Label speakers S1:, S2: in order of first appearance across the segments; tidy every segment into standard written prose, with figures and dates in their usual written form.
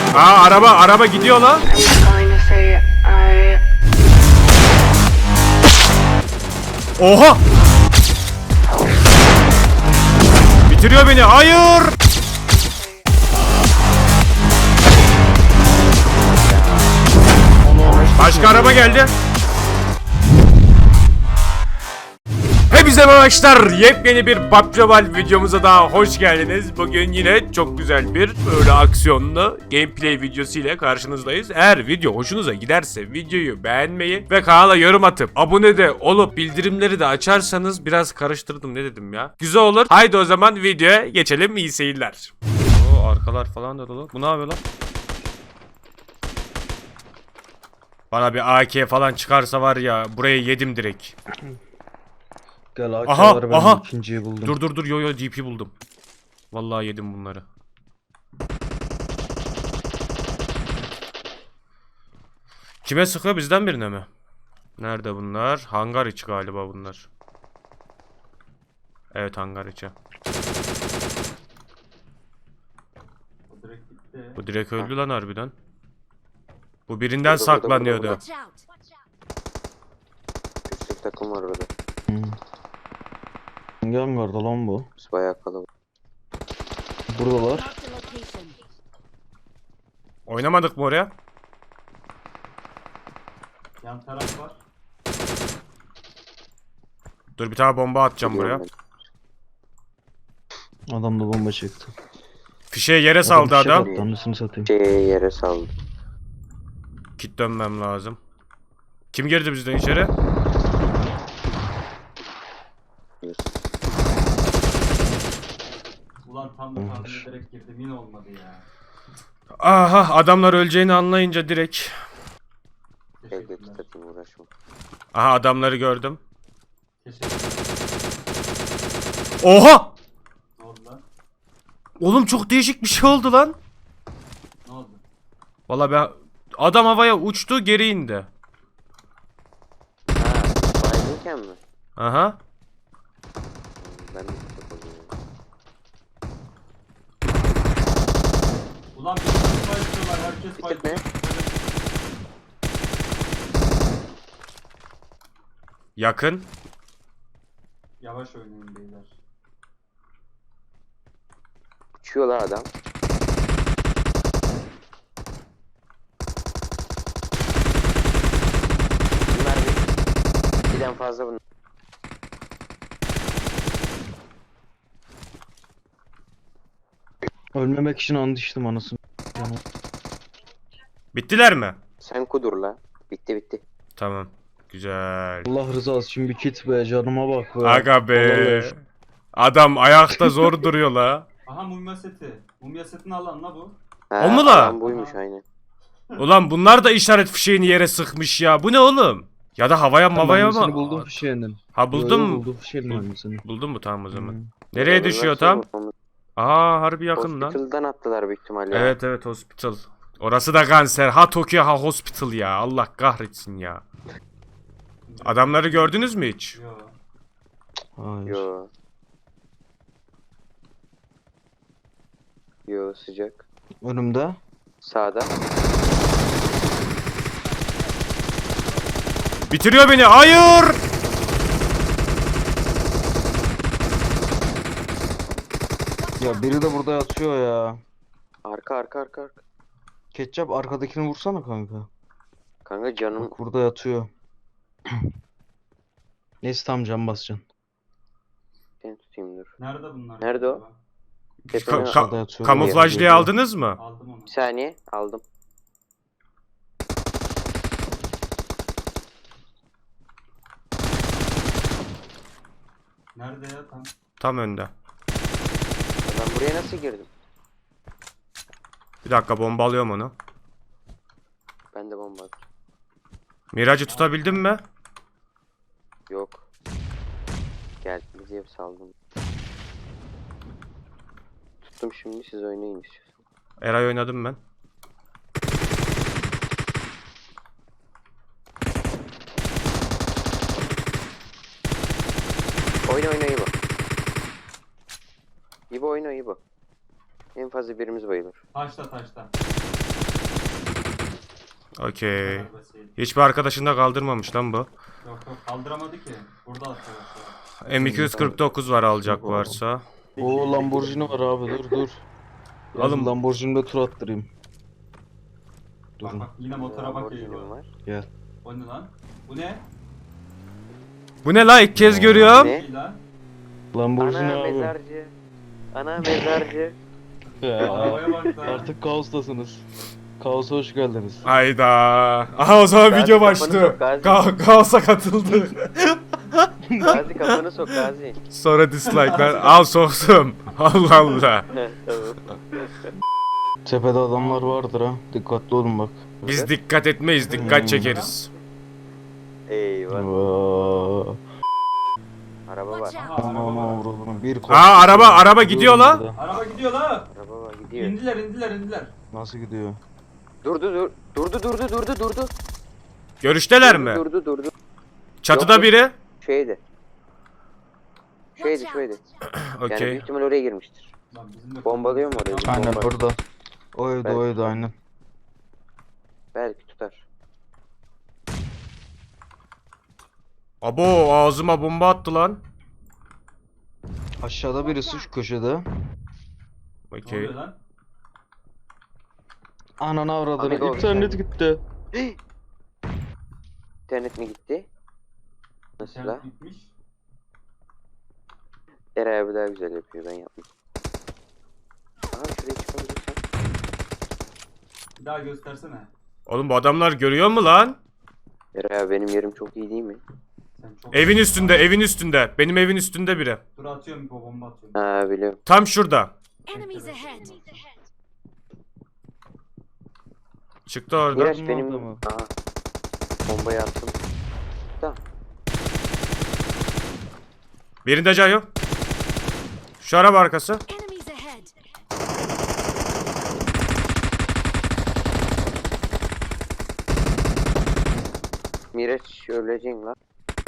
S1: Aa, araba gidiyor lan. Oha! Bitiriyor beni. Hayır! Başka araba geldi. Hepinize arkadaşlar, yepyeni bir PUBG Mobile videomuza daha hoş geldiniz. Bugün yine çok güzel bir böyle aksiyonlu gameplay videosu ile karşınızdayız. Eğer video hoşunuza giderse videoyu beğenmeyi ve kanala yorum atıp abone de olup bildirimleri de açarsanız, biraz karıştırdım ne dedim ya, güzel olur. Haydi o zaman videoya geçelim, iyi seyirler. Oo, arkalar falan da dolu. Bu ne yapıyor lan? Bana bir AK falan çıkarsa var ya, burayı yedim direkt.
S2: Gel
S1: Aha,
S2: AK'ları ben
S1: aha.
S2: ikinciyi buldum.
S1: Dur yo DP buldum. Vallahi yedim bunları. Kime sıkıyor, bizden birine mi? Nerede bunlar? Hangar içi galiba bunlar. Evet, hangar içi. Bu direkt öldü lan harbiden. Bu birinden saklanıyordu.
S3: Üstteki takım var orada.
S2: Hangi hangarda lan bu?
S3: Biz bayağı kalabalık.
S2: Buradalar.
S1: Oynamadık mı oraya?
S4: Yan taraf var.
S1: Dur, bir tane bomba atacağım buraya.
S2: Adam da bomba çekti.
S1: Fişeği yere saldı
S2: fişek
S1: adam.
S2: attı, anasını satayım.
S3: Yere saldı.
S1: Kit dönmem lazım. Kim girdi bizden içeri?
S4: Ulan tam da tahmin ederek girdim, yine olmadı ya.
S1: Aha, adamlar öleceğini anlayınca direkt.
S3: Evde
S4: Teşekkürler.
S3: takım uğraşma.
S1: Aha, adamları gördüm.
S4: Teşekkürler.
S1: Oha!
S4: Ne oldu lan?
S1: Oğlum çok değişik bir şey oldu lan.
S4: Ne oldu?
S1: Vallahi ben, adam havaya uçtu, geri indi.
S3: Ha, baygınken mi?
S1: Aha.
S3: Ben de çok oluyorum.
S4: Ulan bir fight istiyorlar, herkes
S3: Bitir
S4: fight
S3: ne?
S4: istiyor.
S1: Yakın.
S4: Yavaş oynayın beyler.
S3: Uçuyor la adam. Bunlar birden fazla bunlar.
S2: Ölmemek için and içtim anasını. Yani
S1: Bittiler mi?
S3: Sen kudur la. Bitti.
S1: Tamam. Güzel.
S2: Allah rızası için bir kit be, canıma bak be.
S1: Aga be.
S2: Vallahi.
S1: Adam ayakta zor duruyor la.
S4: Aha, mumya seti. Mumya setini alan la bu.
S3: Ha,
S1: O mu la?
S3: adam buymuş aynen.
S1: Ulan bunlar da işaret fişeğini yere sıkmış ya. Bu ne oğlum? Ya da havaya mavaya
S2: Ben seni
S1: mı?
S2: buldum fişeğinin.
S1: Ha, buldun mu?
S2: Buldum fişeğinin annesini.
S1: Buldun mu, tamam o zaman.
S2: Hı.
S1: Nereye düşüyor tam? Aa, harbi yakın lan.
S3: Hospital'dan attılar büyük ihtimalle.
S1: Evet hospital. Orası da kanser. Ha Tokyo, ha hospital ya. Allah kahretsin ya. Adamları gördünüz mü hiç?
S4: Yo.
S2: Hayır.
S3: Yo sıcak.
S2: Önümde.
S3: Sağda.
S1: Bitiriyor beni. Hayır!
S2: Ya biri de burada yatıyor ya.
S3: Arka.
S2: Ketçap arkadakini vursana kanka.
S3: Kanka canım.
S2: Bak burada yatıyor. Neyse tam can basacaksın.
S3: Ben tutayım dur.
S4: Nerede bunlar?
S3: Nerede o?
S4: acaba?
S3: Tepene-
S2: Aşağıda yatıyor.
S1: Kamuflajlıyı aldınız mı?
S4: Aldım onu.
S3: Bir saniye aldım.
S4: Nerede ya tam?
S1: Tam önde.
S3: Ben buraya nasıl girdim?
S1: Bir dakika, bomba alıyorum onu.
S3: Ben de bomba attım.
S1: Miracı tutabildin mi?
S3: Yok. Geldi diye saldım. Tuttum, şimdi siz oynayın istiyorsan.
S1: Eray oynadım ben.
S3: Oyna İbo. İbo oyna İbo. En fazla birimiz bayılır.
S4: Taşta.
S1: Okey.
S4: Kadar basit.
S1: Hiçbir arkadaşını da kaldırmamış lan bu.
S4: Yok kaldıramadı ki. Burada atıyor.
S1: M249 var alacak varsa.
S2: O Lamborghini var abi, dur.
S1: Oğlum.
S2: Lamborghini'de tur attırayım.
S4: Bak
S2: Durun.
S4: bak yine motora bak
S3: Lamborghini'm
S4: geliyor.
S3: var.
S2: Gel.
S4: O ne lan? Bu ne?
S1: Bu ne la, ilk kez görüyorum.
S3: Ne?
S4: İyi lan.
S2: Lamborghini
S3: Ana
S2: abi.
S3: mezarcı. Ana mezarcı.
S2: Ya,
S4: Arabaya bak lan.
S2: artık kaostasınız. Kaosa hoş geldiniz.
S1: Hayda. Aha o zaman
S3: Gazi,
S1: video
S3: kafanı
S1: başlıyor.
S3: sok, Gazi.
S1: Kaosa katıldı.
S3: Gazi kafanı sok Gazi.
S1: Sonra dislike'lar. Al soktum. Allah Allah.
S3: Tamam.
S2: Tepede adamlar vardır ha. Dikkatli olun bak.
S1: Biz dikkat etmeyiz, dikkat çekeriz.
S3: Eyvah.
S2: Vaa.
S3: Araba var.
S4: Aha,
S2: Aman
S4: araba var.
S2: aman vuralım. Bir
S1: Aa, araba gidiyor la.
S2: burada.
S4: Araba gidiyor la.
S3: Araba var gidiyor.
S4: İndiler.
S2: Nasıl gidiyor?
S3: Durdu.
S1: Görüşteler mi?
S3: Durdu.
S1: Çatıda
S3: Yok.
S1: biri.
S3: Şeydi.
S5: Watch
S3: Şöyle.
S5: out.
S3: Yani
S1: Okey.
S3: büyük ihtimal oraya girmiştir.
S4: Lan bizim de
S3: Bombalıyor mu orayı?
S2: Aynen
S3: Bomba.
S2: burada. O evde aynen.
S3: Belki tutar.
S1: Abo, ağzıma bomba attı lan.
S2: Aşağıda birisi şu köşede.
S4: Ne
S1: Okey.
S4: oluyor lan?
S2: Ananı avradını.
S3: Amigo.
S2: İnternet gitti.
S3: İnternet mi gitti? Nasıl la?
S4: İnternet bitmiş.
S3: Eray abi daha güzel yapıyor, ben yapmam. Aha şuraya çıkabilirsen.
S4: Bir daha göstersene.
S1: Oğlum bu adamlar görüyor mu lan?
S3: Eray abi benim yerim çok iyi değil mi?
S4: Sen çok...
S1: Evin üstünde. Benim evin üstünde biri.
S4: Dur atıyorum bir bomba atıyorum.
S3: Ha biliyorum.
S1: Tam şurada.
S5: Enemies ahead.
S1: Çıktı orada.
S3: Miraç
S2: Orada
S3: benim...
S2: mı?
S3: Aha. Bombayı attım.
S1: Birinde can yok. Şu araba arkası.
S5: Enemies ahead.
S3: Miraç öleceksin lan.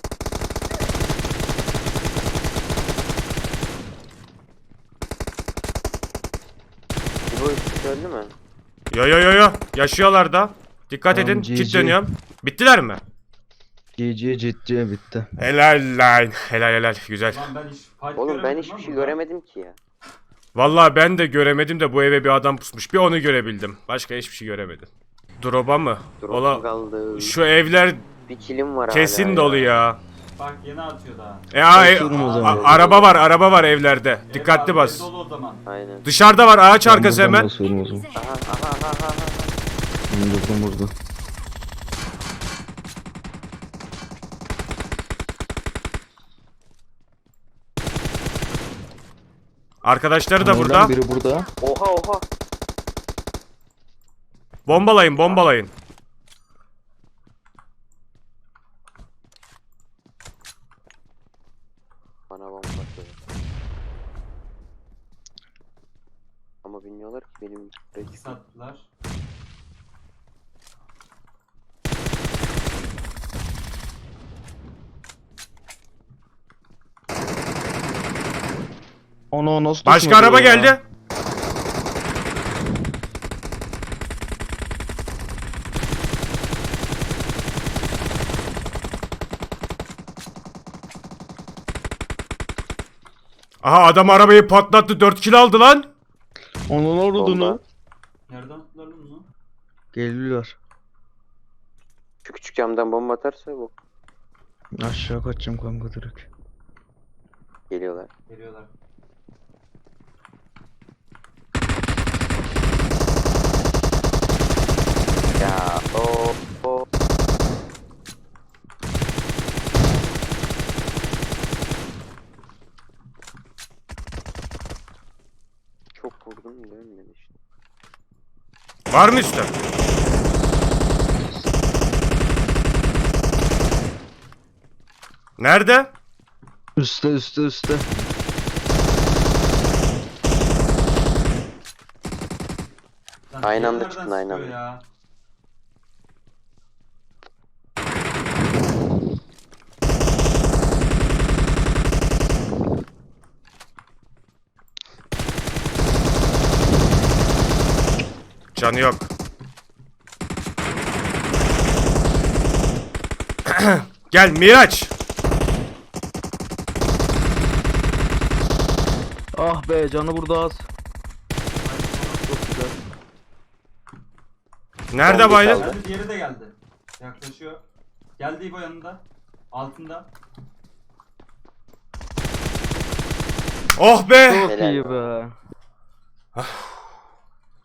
S3: Bu üst öldü mü?
S1: Yo. Yaşıyorlar da. Dikkat
S2: Tamam,
S1: edin.
S2: GG.
S1: Kit dönüyorum. Bittiler mi?
S2: GG ciddi bitti.
S1: Helal lan. Helal. Güzel.
S4: Lan ben hiç fight
S3: Oğlum ben
S4: göremedim
S3: hiçbir
S4: lan
S3: şey
S4: burada.
S3: göremedim ki ya.
S1: Vallahi ben de göremedim de bu eve bir adam pusmuş. Bir onu görebildim. Başka hiçbir şey göremedim. Drop'a mı?
S3: Drop'um
S1: Ola
S3: kaldı.
S1: şu evler
S3: Bir kilim var
S1: kesin
S3: hala
S1: dolu ya.
S4: Bak yeni atıyor daha.
S2: Bakıyorum o zaman.
S1: Araba var evlerde. Dikkatli
S4: Ev
S1: bas.
S4: dolu o zaman.
S3: Aynen.
S1: Dışarıda var ağaç arkası hemen.
S2: Basıyorum o zaman.
S5: Enemies
S3: Aha
S5: ahead.
S2: Burada.
S1: Arkadaşları da
S2: Aynen,
S1: burada.
S2: Biri burada.
S3: Oha.
S1: Bombalayın.
S3: Bana bomba atıyor. Ama bilmiyorlar ki benim
S4: İki sattılar.
S2: Onu nasıl
S1: Başka
S2: düşmedi
S1: araba
S2: ya?
S1: geldi. Aha adam arabayı patlattı 4 kill aldı lan.
S2: Onun ordunu.
S3: Bomba.
S4: Nereden attılar lan bunu?
S2: Geliyorlar.
S3: Şu küçük camdan bomba atarsa bu.
S2: Aşağı kaçacağım kanka direkt.
S3: Geliyorlar.
S4: Geliyorlar.
S3: Ya o. Çok vurdum da ölmedi işte.
S1: Var mı üstte? Nerede?
S2: Üste.
S4: Lan
S3: Aynı anda
S4: nereden
S3: çıktın, aynı
S4: sıkıyor
S3: anda.
S4: ya?
S1: Canı yok. Gel Miraç.
S2: Ah be, canı burada az. Çok güzel.
S1: Nerede
S3: Zombi
S1: baydın?
S3: kaldı.
S4: Geldi, diğeri de geldi. Yaklaşıyor. Geldi İbo yanında. Altında.
S1: Oh be.
S2: Çok
S3: Helal.
S2: iyi be.